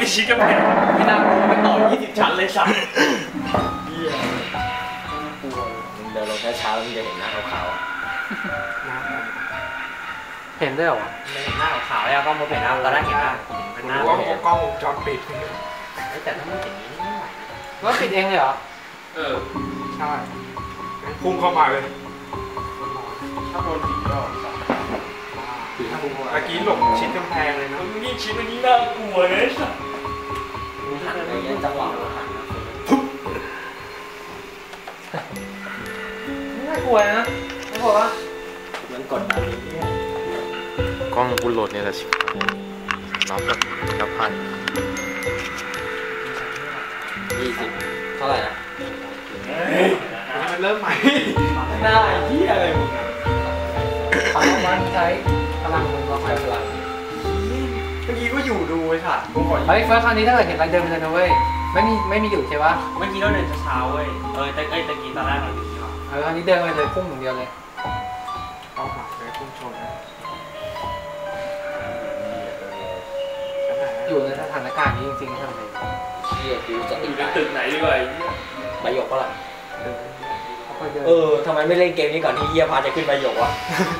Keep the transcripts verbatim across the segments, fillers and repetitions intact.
ชี้กำแพงไม่น่ากลัวไม่ต่อยี่สิบชั้นเลยสัตว์เหี้ยกลัวเดินลงช้าๆแล้วมึงจะเห็นหน้าขาวเห็นได้หรอไม่เห็นหน้าขาวแล้วก็มองเห็นหน้าตอนแรกเห็นหน้าเป็นหน้าว่ากล้องวงจรปิดแต่ถ้าไม่เห็นนี้ไม่ไหวว่าปิดเองเลยเหรอเออใช่พุ่งเข้ามาเลยถ้าโดนผีก็เมื่อกี้หลบชิดกำแพงเลยนะมึงยิ่งชิดมันยิ่งน่ากลัวเลยสัสมึงหันอะไรเงี้ยจังหวะมันหันปุ๊บน่ากลัวนะน่ากลัวปะมันกดดันกล้องกูโหลดเนี่ยแหละชิบหายนับแบบนับพันยี่สิบเท่าไหร่นะมันเริ่มใหม่หน้าไอ้เหี้ยอะไรมึงพลังมันใช้พลังมึงก็ค่อยพลังเมื่อกี้ก็อยู่ดูไอ้สัตว์เฮ้ยเฟิร์สคราวนี้ถ้าเกิดเห็นอะไรเดินไปเลยนะเว้ยไม่มีไม่มีอยู่ใช่ปะเมื่อกี้เราเดินเช้าเว้ยเออแต่ไอ้ตะกี้ตอนแรกเราอยู่ที่ว่าเออคราวนี้เดินไปเลยพุ่งอย่างเดียวเลยเอาหักเลยพุ่งชนนะอยู่ในสถานการณ์นี้จริงๆทำไงเชี่ยกูจะอยู่ในตึกไหนดีกว่าใบหยกปะล่ะเออทำไมไม่เล่นเกมนี้ก่อนที่เยี่ยพาจะขึ้นใบหยกวะ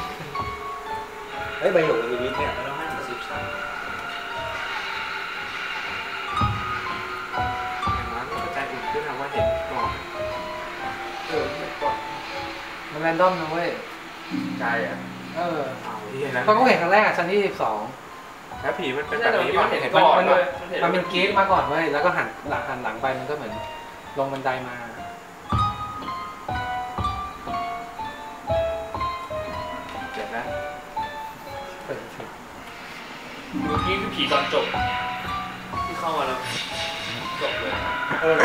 เฮ้ยใบหยกมีลิฟต์เนี่ยเราให้มันสิบชั้นอย่างนั้นกระจายอุ่นขึ้นนะว่าเห็นก่อนเออก่อนมันแรนดอมนะเว้ยใจอ่ะเออตอนก็เห็นครั้งแรกอ่ะชั้นที่สิบสองแล้วผีมันเป็นแบบนี้ป่ะเห็นก่อนเลยมันเป็นเกมมาก่อนเว้ยแล้วก็หันหลังหันหลังไปมันก็เหมือนลงบันไดมาเจ็บนะเปิดเมื่อกี้คือผีตอนจบที่เข้ามาแล้วจบเลยเออ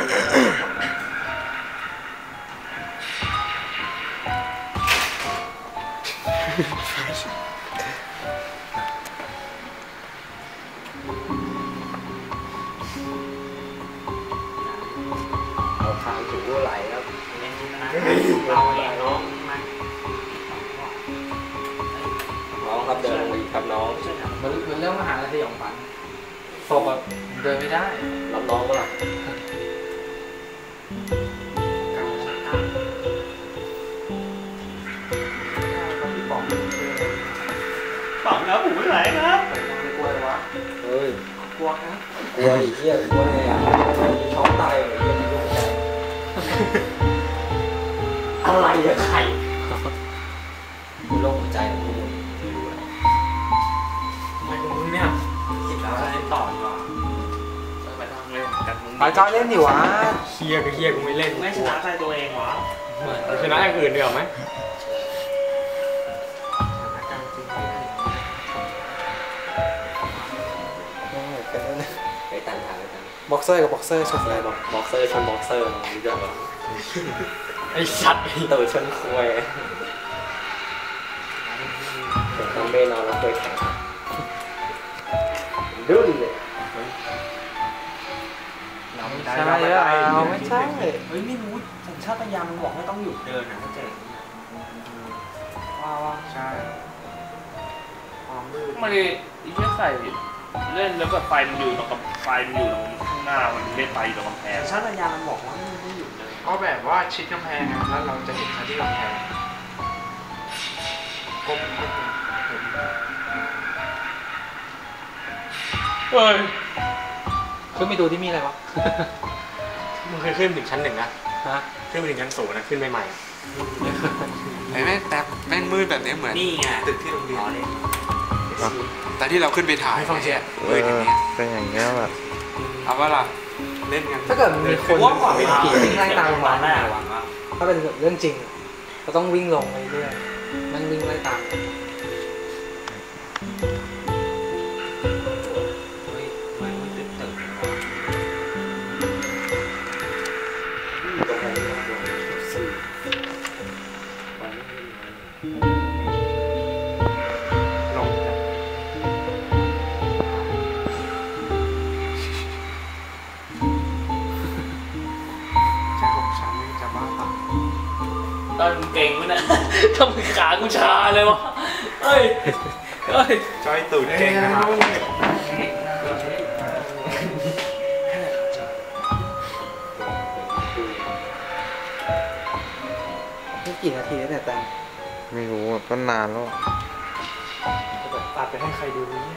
ทางถูกไหลแล้วเราเองน้องน้องครับเดินมาอีกครับน้องมันมันเรื่องมหาลัยสยองขวัญศพแบบเดินไม่ได้รับน้องก็ล่ะฝังแล้วผมไม่ไหลครับกลัวเลยวะเฮ้ยกลัวนะกลัวอีกเหี้ยกลัวไงอ่ะมีช็อกตายอะไรเงี้ยมีโรคใจอะไรอะใครมีโรคหัวใจของมึงไม่รู้เลยทำไมมึงเนี่ยคิดแล้วจะเล่นต่อดีกว่าไปทางเล่นกันมึงไปจอยเล่นดิวะเฮียก็เฮียกูไม่เล่นไม่ชนะใจตัวเองวะชนะอย่างอื่นดีกว่าไหมไปตันทางไปตันบ็อกเซอร์กับบ็อกเซอร์ชนอะไรบอกบ็อกเซอร์ชนบ็อกเซอร์รู้จักปะไอ้สัตว์ตัวชนคุยผมต้องเบนอนแล้วคุยแข็งดุ้นเลยเราไม่ได้ใช่เราไม่ใช่เฮ้ยไม่รู้สัญชาตญาณมันบอกไม่ต้องหยุดเดินนะเข้าใจว้าวใช่ความมืดมันเลยอีกแค่ใส่เล่นแล้วก็ไฟมันอยู่ตรงกับไฟมันอยู่ตรงข้างหน้ามันไม่ไปตรงกำแพงชาติยามันบอกว่าไม่หยุดเลยก็แบบว่าชิดกำแพงแล้วเราจะเห็นที่กำแพงก้มก้มเฮ้ยขึ้นไปดูที่มีอะไรวะมึงเคยขึ้นถึงชั้นหนึ่งนะฮะขึ้นไปถึงชั้นสูงนะขึ้นใหม่ๆไอ้แม่แต่แม่งมืดแบบนี้เหมือนตึกที่โรงเรียนแต่ที่เราขึ้นไปถ่ายฟังเชียร์เออเป็นอย่างเงี้ยแบบเอาว่าล่ะเล่นกันถ้าเกิดมีคนเป็นผีวิ่งไล่ตามลงมาถ้าเป็นเรื่องจริงก็ต้องวิ่งลงไปเรื่อยมันวิ่งไล่ตามตอนเก่งมั้ยนะทำไมขากูชาเลยวะเฮ้ยเฮ้ยจอยตูดเก่งนะครับกี่นาทีแล้วเนี่ยแต่ไม่รู้ก็นานแล้วตัดไปให้ใครดูเนี่ย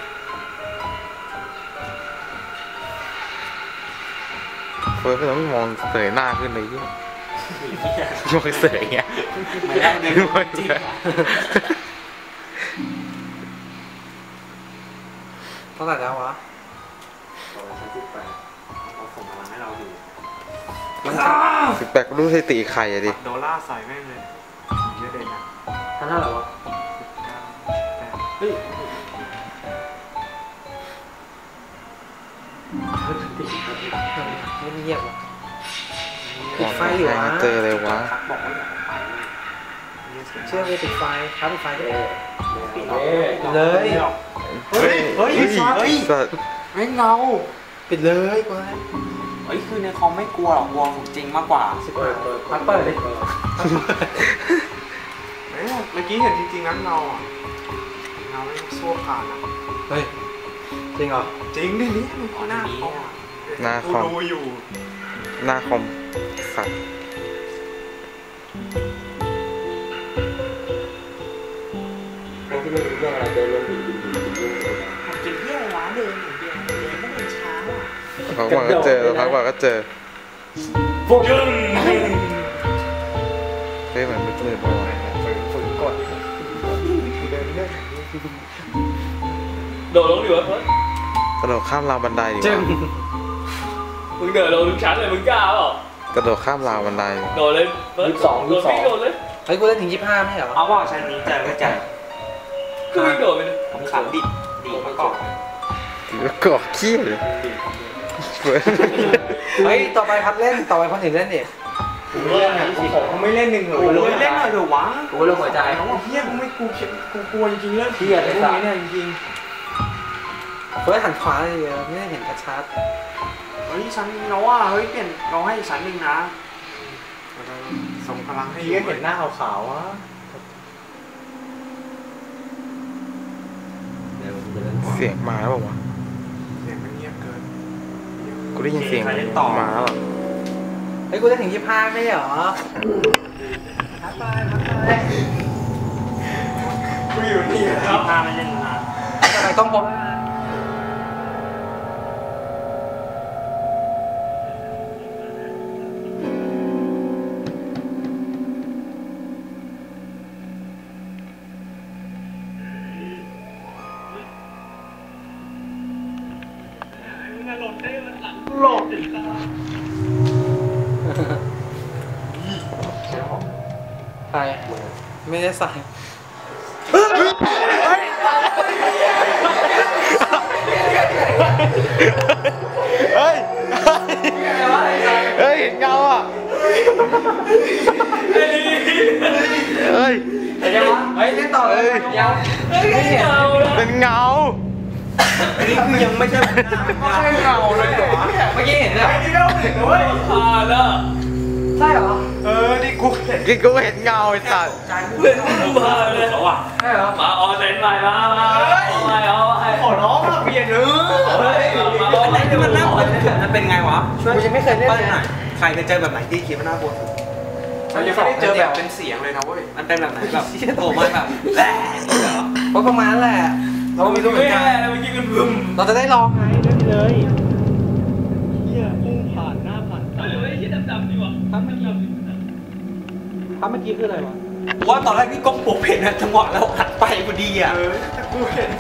เฟิร์สก็ต้องมองเสยหน้าขึ้นเลยเนี่ยมองเสยเงี้ยไม่ได้ไม่รู้จริงเท่าไหร่แล้ววะร้อยสิบแปดเขาส่งพลังให้เราอยู่สิบแปดก็รู้สถิติใครอะดิโดล่าใส่แม่งเลยเยอะเลยนะท่านเท่าไหร่วะเฮ้ยไม่เงียบวะปิดไฟอยู่วะเจอเลยวะบอกว่าอย่าไปเชื่อเลยปิดไฟครับปิดไฟได้เลยเฮ้ยเฮ้ยเฮ้ยไม่เงาปิดเลยกูให้เฮ้ยคือในคอมไม่กลัวหรอกกลัวของจริงมากกว่าสิบเปิดพักเปิดเลยเมื่อกี้เห็นจริงๆนั้นเงาอ่ะเงาไม่สู้ผ่านอ่ะเฮ้ยจริงเหรอจริงดินี่หน้าคอมหน้าคอมดูอยู่หน้าคอมสัตว์เป็นเพื่อนร้านเดินอย่างเดียวเดินไม่เดินช้าอ่ะพักวันก็เจอพักวันก็เจอพวกยึงเฮ้ยเหมือนมืดๆไปวะฝืนกดโดดลงอยู่วะเฟิร์สกระโดดข้ามราวบันไดดีกจึงว่ามึงเดินลงทุกชั้นเลยมึงกล้าเปล่ากระโดดข้ามราวบันไดโดดเลยเฟิร์สโดดวิ่งโดดเลยเฮ้ยกูได้ถึงยี่สิบห้าไม่เหรอเอาว่าชั้นนี้เจอก็เจอก็วิ่งโดดไปเลยผมขับดิดดีมาก่อนถือว่าเกาะขี้เลยเฟิร์สเฮ้ยต่อไปพัดเล่นต่อไปคนอื่นเล่นดิผมเล่นอ่ะผมไม่เล่นหนึ่งเหรอโอ้ยเล่นหน่อยเถอะวะกูเล่นหัวใจน้องบอกเฮียกูไม่กูกูกลัวจริงๆเรื่องเฮียเลยพวกสัสนี้เนี่ยจริงเฟิร์สหันขวาเลยไม่ได้เห็นกระชัดๆเฮ้ยชั้นเราว่าเฮ้ยเปลี่ยนเราให้ชั้นหนึ่งนะส่งพลังให้พี่ก็เห็นหน้าขาวๆวะเสียงมาแล้วเปล่าวะเสียงมันเงียบเกินกูได้ยินเสียงมาแล้วอะเฮ้ยกูได้ถึงยี่สิบห้าไม่เหรอพักไปพักไปกูอยู่นี่ครับหน้าไม่เล่นนานทำไมต้องพบใครไม่ได้ใส่เฮ้ย เฮ้ยเห็นเงาอ่ะ เฮ้ยเฮ้ยเล่นต่อเลยยังไม่เห็นเป็นเงานี่คือยังไม่ใช่หน้าไม่ใช่เงาเลยเหรอเมื่อกี้เห็นเลยนี่เราถึงเว้ยผ่านแล้วใช่เหรอเออนี่กูเห็นกินกูเห็นเงาไอ้สัตว์เพื่อนกูผ่านเลยเขาอ่ะใช่เหรอมาออนเซนใหม่มามาเอาใหม่เอาใหม่ขอร้องมาเปลี่ยนเออเฮ้ยมาออนอะไรที่มันน่ากลัวมันเป็นไงวะช่วยกูยังไม่เคยเล่นเลยหน่อยใครเคยเจอแบบไหนที่คิดว่าน่ากลัวสุดเรายังไม่ได้เจอแบบเป็นเสียงเลยนะเว้ยมันเป็นแบบไหนแบบโผล่มาแบบแหละเหรอเพราะประมาณแหละเราไม่รู้เหมืไม่อนกันแย่แล้วเมื่อกี้กันบึ้มเราจะได้ลองไงเล่นเลยเฮ้ยยี่ดำๆดีว่ะทำไม่ยอมถ้าเมื่อกี้คืออะไรวะว่าตอนแรกพี่ก้มปกเห็นนะจังหวะแล้วหัดไปพอดีอ่ะเออแต่กูเห็น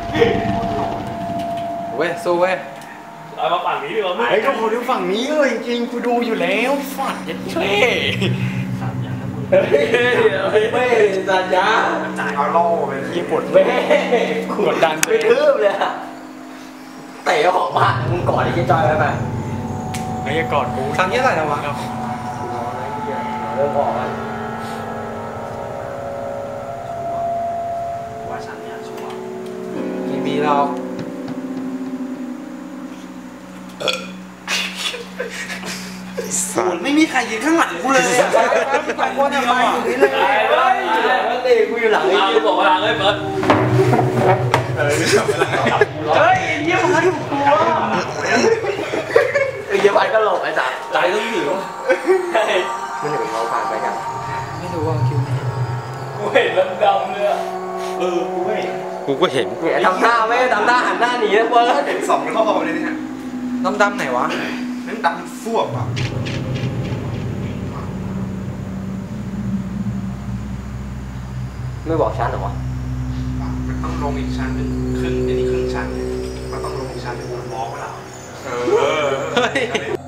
เว้ยสู้เว้ยเอามาฝั่งนี้ดีกว่าไอ้ก็พอดูฝั่งนี้เลยจริงๆกูดูอยู่แล้วฝัดยัดเท่เฮ้ยเฮ้ยเว้ยสัญญาจ่ายเอาล่อไปญี่ปุ่นเว้ยกดดันไปทืบเลยอะเตะออกมามึงกอดไอ้เจ๊จอยไปไปไอ้กอดกูครั้งที่เท่าไหร่นะวะเริ่มออกแล้วว่าฉันเนี่ยชัวร์กี่ปีเราสัตว์ไม่มีใครยืนข้างหลังกูเลยอะสองคนอะไปอยู่นี่เลยเฮ้ยเตะกูอยู่หลังมากูบอกว่าหลังเลยเฟิร์สเฮ้ยเยี่ยมมากถูกตัวไอ้เยี่ยมไปก็หลบไอ้จ๋าใจต้องหิวไม่รู้กูก็เห็นเนี่ยทำหน้าไม่ทำหน้าหันหน้าหนีนะเบิร์ดเห็นสองรอบเลยเนี่ยดำๆไหนวะนั่นดำฟ่วบอ่ะไม่บอกฉันเหรอวะมันต้องลงอีกชั้นหนึ่งครึ่งอันนี้ครึ่งชั้นเนี่ยมันต้องลงอีกชั้นหนึ่งมองเปล่าเออ